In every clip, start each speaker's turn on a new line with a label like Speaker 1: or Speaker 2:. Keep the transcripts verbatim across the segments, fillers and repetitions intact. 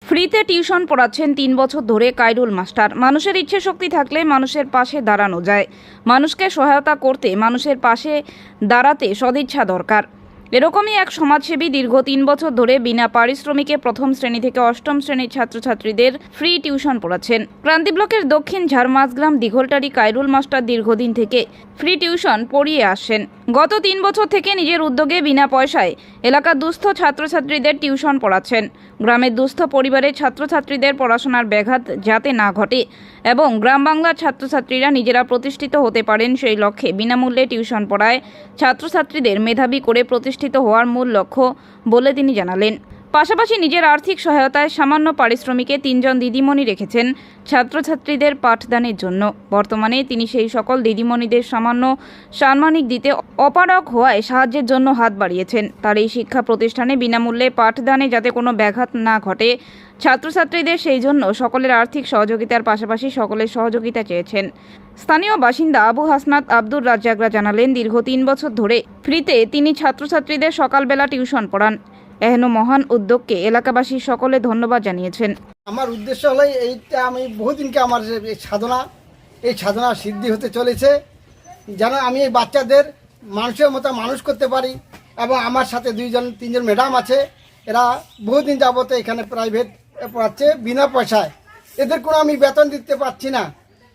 Speaker 1: ফ্রিতে টিউশন পড়াচ্ছেন তিন বছর ধরে কাইরুল মাস্টার। মানুষের ইচ্ছে শক্তি থাকলে মানুষের পাশে দাঁড়ানো যায়। মানুষকে সহায়তা করতে, মানুষের পাশে দাঁড়াতে সদিচ্ছা দরকার। এরকমই এক সমাজসেবী দীর্ঘ তিন বছর ধরে বিনা পারিশ্রমিকে প্রথম শ্রেণী থেকে অষ্টম শ্রেণীর ছাত্রছাত্রীদের ফ্রি টিউশন পড়াচ্ছেন। ক্রান্তি ব্লকের দক্ষিণ ঝাড়মাঝগ্রাম দিঘলটারি কাইরুল মাস্টার দীর্ঘদিন থেকে ফ্রি টিউশন পড়িয়ে আসেন। গত তিন বছর থেকে নিজের উদ্যোগে বিনা পয়সায় এলাকার দুস্থ ছাত্রছাত্রীদের টিউশন পড়াচ্ছেন। গ্রামের দুস্থ পরিবারের ছাত্রছাত্রীদের পড়াশোনার ব্যাঘাত যাতে না ঘটে এবং গ্রাম বাংলার ছাত্রছাত্রীরা নিজেরা প্রতিষ্ঠিত হতে পারেন সেই লক্ষ্যে বিনামূল্যে টিউশন পড়ায় ছাত্রছাত্রীদের মেধাবী করে প্রতিষ্ঠিত হওয়ার মূল লক্ষ্য বলে তিনি জানালেন। পাশাপাশি নিজের আর্থিক সহায়তায় সামান্য পারিশ্রমিকে তিনজন দিদিমণি রেখেছেন ছাত্রছাত্রীদের পাঠদানের জন্য। বর্তমানে তিনি সেই সকল দিদিমণিদের সামান্য সাম্মানিক দিতে অপারগ হওয়ায় সাহায্যের জন্য হাত বাড়িয়েছেন। তার এই শিক্ষা প্রতিষ্ঠানে বিনামূল্যে পাঠদানে যাতে কোনো ব্যাঘাত না ঘটে ছাত্রছাত্রীদের, সেই জন্য সকলের আর্থিক সহযোগিতার পাশাপাশি সকলের সহযোগিতা চেয়েছেন। স্থানীয় বাসিন্দা আবু হাসনাত আব্দুর রাজ্জাকরা জানালেন, দীর্ঘ তিন বছর ধরে ফ্রিতে তিনি ছাত্রছাত্রীদের সকালবেলা টিউশন পড়ান। এহেন মহান উদ্যোগকে এলাকাবাসী সকলে ধন্যবাদ জানিয়েছেন।
Speaker 2: আমার উদ্দেশ্য হলো এইটা, আমি বহুদিনকে আমার এই সাধনা এই সাধনা সিদ্ধি হতে চলেছে, যেন আমি এই বাচ্চাদের মানুষের মতো মানুষ করতে পারি। এবং আমার সাথে দুইজন তিনজন ম্যাডাম আছে, এরা বহুদিন যাবত এখানে প্রাইভেট পড়াচ্ছে বিনা পয়সায়। এদের কোনো আমি বেতন দিতে পারছি না।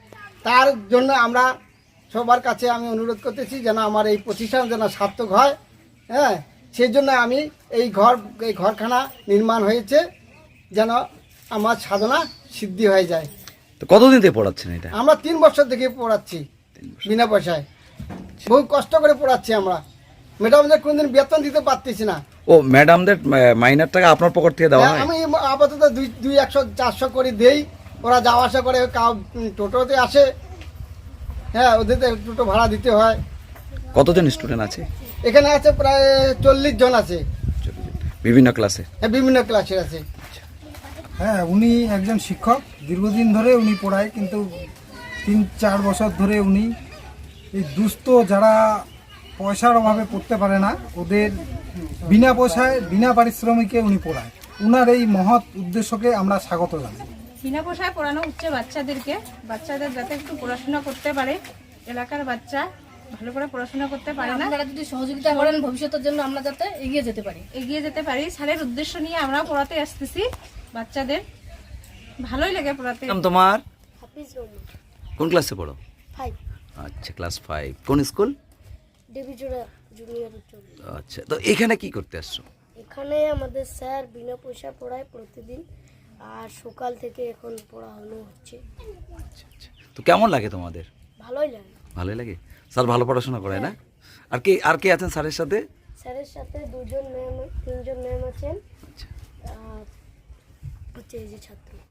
Speaker 2: তার জন্য আমরা সবার কাছে আমি অনুরোধ করতেছি যেন আমার এই প্রতিষ্ঠান যেন সার্থক হয়। হ্যাঁ, সেই জন্য আমি এই ঘর এই ঘরখানা নির্মাণ হয়েছে যেন আমার সাধনা সিদ্ধি হয়ে যায়।
Speaker 3: তো কতদিন থেকে পড়াচ্ছেন এটা?
Speaker 2: আমরা তিন বছর থেকে পড়াচ্ছি বিনা পয়সায়, বহু কষ্ট করে পড়াচ্ছি আমরা। ম্যাডামদের কোনদিন বেতন দিতে পারতেছি না।
Speaker 3: ও, ম্যাডামদের মাইনার টাকা আপনার পকেট থেকে দেওয়া হয়?
Speaker 2: আমি আপাতত দুই দুই একশো চারশো করে দেই, ওরা যাওয়া আসা করে, কাউ টোটোতে আসে। হ্যাঁ, ওদের টোটো ভাড়া দিতে হয়।
Speaker 3: কতজন স্টুডেন্ট আছে
Speaker 2: এখানে? আছে প্রায় চল্লিশ জন আছে,
Speaker 3: বিভিন্ন ক্লাসে।
Speaker 2: হ্যাঁ, বিভিন্ন ক্লাসের আছে।
Speaker 4: হ্যাঁ, উনি একজন শিক্ষক, দীর্ঘদিন ধরে উনি পড়ায়, কিন্তু তিন চার বছর ধরে উনি এই দুস্থ যারা পয়সার অভাবে পড়তে পারে না, ওদের বিনা পয়সায় বিনা পারিশ্রমিকে উনি পড়ায়। উনার এই মহৎ উদ্দেশ্যকে আমরা স্বাগত জানাই।
Speaker 5: বিনা পয়সায় পড়ানো হচ্ছে বাচ্চাদেরকে, বাচ্চাদের যাতে একটু পড়াশোনা করতে পারে। এলাকার বাচ্চা ভালো করে পড়াশোনা করতে পারে না,
Speaker 6: আপনারা যদি সহযোগিতা করেন ভবিষ্যতের জন্য আমরা যাতে এগিয়ে যেতে পারি
Speaker 5: এগিয়ে যেতে পারি। স্যারের উদ্দেশ্য নিয়ে আমরা পড়াতে আসতেছি বাচ্চাদের, ভালোই লাগে পড়াতে।
Speaker 3: তোমার
Speaker 6: হাফিজ রহমান,
Speaker 3: কোন ক্লাসে পড়ো?
Speaker 6: ফাইভ,
Speaker 3: আচ্ছা, ক্লাস ফাইভ। কোন স্কুল?
Speaker 6: দেবীজোড়া জুনিয়র উচ্চ।
Speaker 3: আচ্ছা, তো এখানে কি করতে আসছো?
Speaker 6: এখানে আমাদের স্যার বিনা পয়সা পড়ায় প্রতিদিন, আর সকাল থেকে এখন পড়ানো হচ্ছে।
Speaker 3: আচ্ছা আচ্ছা, তো কেমন লাগে তোমাদের?
Speaker 6: ভালোই লাগে।
Speaker 3: ভালোই লাগে। স্যার ভালো পড়াশোনা করে না? আর কে আর কে আছেন স্যারের সাথে?
Speaker 6: স্যারের সাথে দুজন ম্যাম, তিনজন ম্যাম আছেন,
Speaker 3: আচ্ছা,
Speaker 6: আর হচ্ছে এই যে ছাত্র।